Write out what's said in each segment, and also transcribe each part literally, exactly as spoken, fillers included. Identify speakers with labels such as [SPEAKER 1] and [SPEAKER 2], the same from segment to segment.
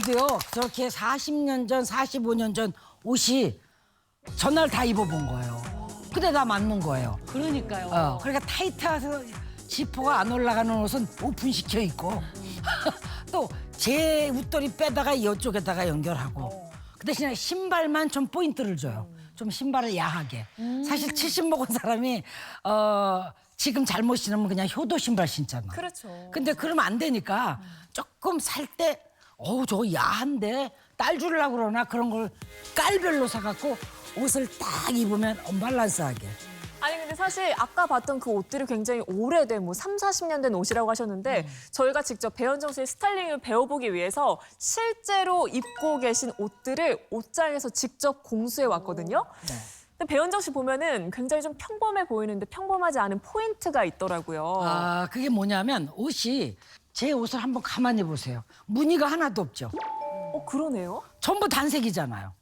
[SPEAKER 1] 저도요 저렇게 사십 년 전, 사십오 년 전 옷이 전날 다 입어본 거예요. 근데 다 맞는 거예요.
[SPEAKER 2] 그러니까요.
[SPEAKER 1] 어, 그러니까 타이트해서 지퍼가 안 올라가는 옷은 오픈시켜 입고 또 제 웃돌이 빼다가 이쪽에다가 연결하고 그 대신에 신발만 좀 포인트를 줘요. 좀 신발을 야하게. 사실 칠십 먹은 사람이 어, 지금 잘못 신으면 그냥 효도 신발 신잖아.
[SPEAKER 3] 그렇죠.
[SPEAKER 1] 근데 그러면 안 되니까 조금 살 때 어우 저거 야한데 딸 주려고 그러나 그런 걸 깔별로 사갖고 옷을 딱 입으면 언밸런스하게.
[SPEAKER 3] 아니 근데 사실 아까 봤던 그 옷들이 굉장히 오래된 뭐 삼사십 년 된 옷이라고 하셨는데
[SPEAKER 1] 음.
[SPEAKER 3] 저희가 직접 배현정 씨의 스타일링을 배워보기 위해서 실제로 입고 계신 옷들을 옷장에서 직접 공수해 왔거든요.
[SPEAKER 1] 네.
[SPEAKER 3] 근데 배현정 씨 보면은 굉장히 좀 평범해 보이는데 평범하지 않은 포인트가 있더라고요.
[SPEAKER 1] 아 그게 뭐냐면 옷이 제 옷을 한번 가만히 보세요. 무늬가 하나도 없죠.
[SPEAKER 3] 어 그러네요.
[SPEAKER 1] 전부 단색이잖아요.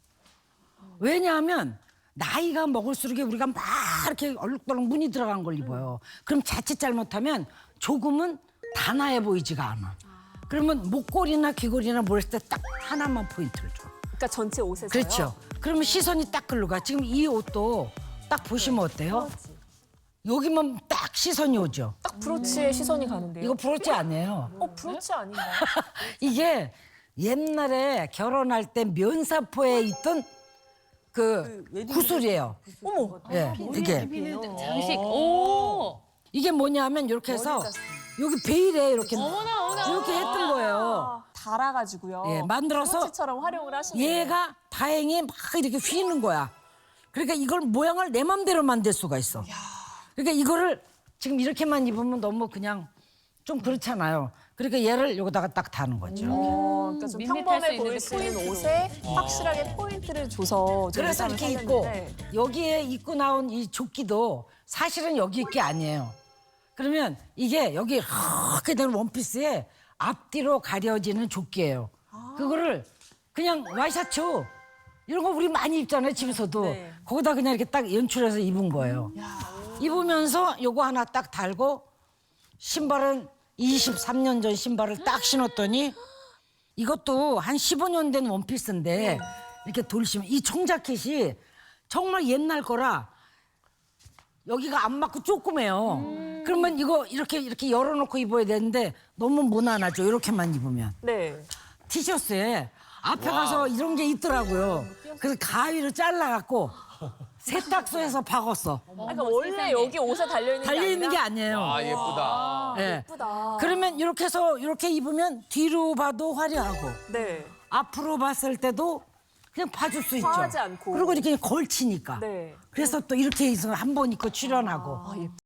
[SPEAKER 1] 왜냐하면 나이가 먹을수록 우리가 막 이렇게 얼룩덜룩 무늬 들어간 걸 입어요. 그럼 자칫 잘못하면 조금은 단아해 보이지가 않아. 그러면 목걸이나 귀걸이나 뭘 했을 때 딱 하나만 포인트를 줘.
[SPEAKER 3] 그러니까 전체 옷에서요.
[SPEAKER 1] 그렇죠. 그러면 시선이 딱 글로 가. 지금 이 옷도 딱 보시면 어때요? 여기만 딱 시선이 오죠.
[SPEAKER 3] 딱 브로치에 시선이 가는데요.
[SPEAKER 1] 이거 브로치 아니에요.
[SPEAKER 3] 어 브로치 아닌가요?
[SPEAKER 1] 이게 옛날에 결혼할 때 면사포에 있던 그 구슬이에요.
[SPEAKER 3] 어머.
[SPEAKER 1] 예, 이게
[SPEAKER 2] 장식. 오.
[SPEAKER 1] 이게 뭐냐면 이렇게 해서 여기 베일에 이렇게
[SPEAKER 2] 어머나 어머나.
[SPEAKER 1] 이렇게 했던 거예요.
[SPEAKER 3] 달아가지고요.
[SPEAKER 1] 예, 만들어서
[SPEAKER 3] 브로치처럼 활용을 하시는 거예요.
[SPEAKER 1] 얘가 다행히 막 이렇게 휘는 거야. 그러니까 이걸 모양을 내 맘대로 만들 수가 있어. 그러니까 이거를 지금 이렇게만 입으면 너무 그냥 좀 그렇잖아요. 그러니까 얘를 여기다가 딱 다는 거죠.
[SPEAKER 3] 어, 그러니까 좀
[SPEAKER 2] 밋밋할
[SPEAKER 3] 평범해
[SPEAKER 2] 수 있는데
[SPEAKER 3] 보일 수 있는
[SPEAKER 2] 포인트로.
[SPEAKER 3] 옷에 확실하게 포인트를 줘서 좀
[SPEAKER 1] 그래서
[SPEAKER 3] 의상을
[SPEAKER 1] 이렇게 입고
[SPEAKER 3] 살렸는데
[SPEAKER 1] 여기에 입고 나온 이 조끼도 사실은 여기 있게 아니에요. 그러면 이게 여기 이렇게 된 원피스에 앞뒤로 가려지는 조끼예요. 그거를 그냥 와이셔츠 이런 거 우리 많이 입잖아요, 집에서도.
[SPEAKER 3] 네.
[SPEAKER 1] 거기다 그냥 이렇게 딱 연출해서 입은 거예요. 입으면서 요거 하나 딱 달고 신발은 이십삼 년 전 신발을 딱 신었더니 이것도 한 십오 년 된 원피스인데 이렇게 돌시면 이 청자켓이 정말 옛날 거라 여기가 안 맞고 조그매요. 그러면 이거 이렇게 이렇게 열어놓고 입어야 되는데 너무 무난하죠. 이렇게만 입으면.
[SPEAKER 3] 네.
[SPEAKER 1] 티셔츠에 앞에 가서 이런 게 있더라고요. 그래서 가위로 잘라갖고 세탁소에서 박았어.
[SPEAKER 3] 그러니까 원래 여기 옷에 달려 있는
[SPEAKER 1] 달려 있는
[SPEAKER 3] 게
[SPEAKER 1] 게
[SPEAKER 3] 아니라
[SPEAKER 1] 아니에요.
[SPEAKER 4] 아 예쁘다.
[SPEAKER 1] 예.
[SPEAKER 3] 예쁘다.
[SPEAKER 1] 그러면 이렇게 해서 이렇게 입으면 뒤로 봐도 화려하고
[SPEAKER 3] 네.
[SPEAKER 1] 앞으로 봤을 때도 그냥 봐줄 수 있죠.
[SPEAKER 3] 과하지 않고.
[SPEAKER 1] 그리고 이렇게 걸치니까.
[SPEAKER 3] 네.
[SPEAKER 1] 그래서 또 이렇게 해서 한 번 입고 출연하고.
[SPEAKER 3] 아, 예쁘다.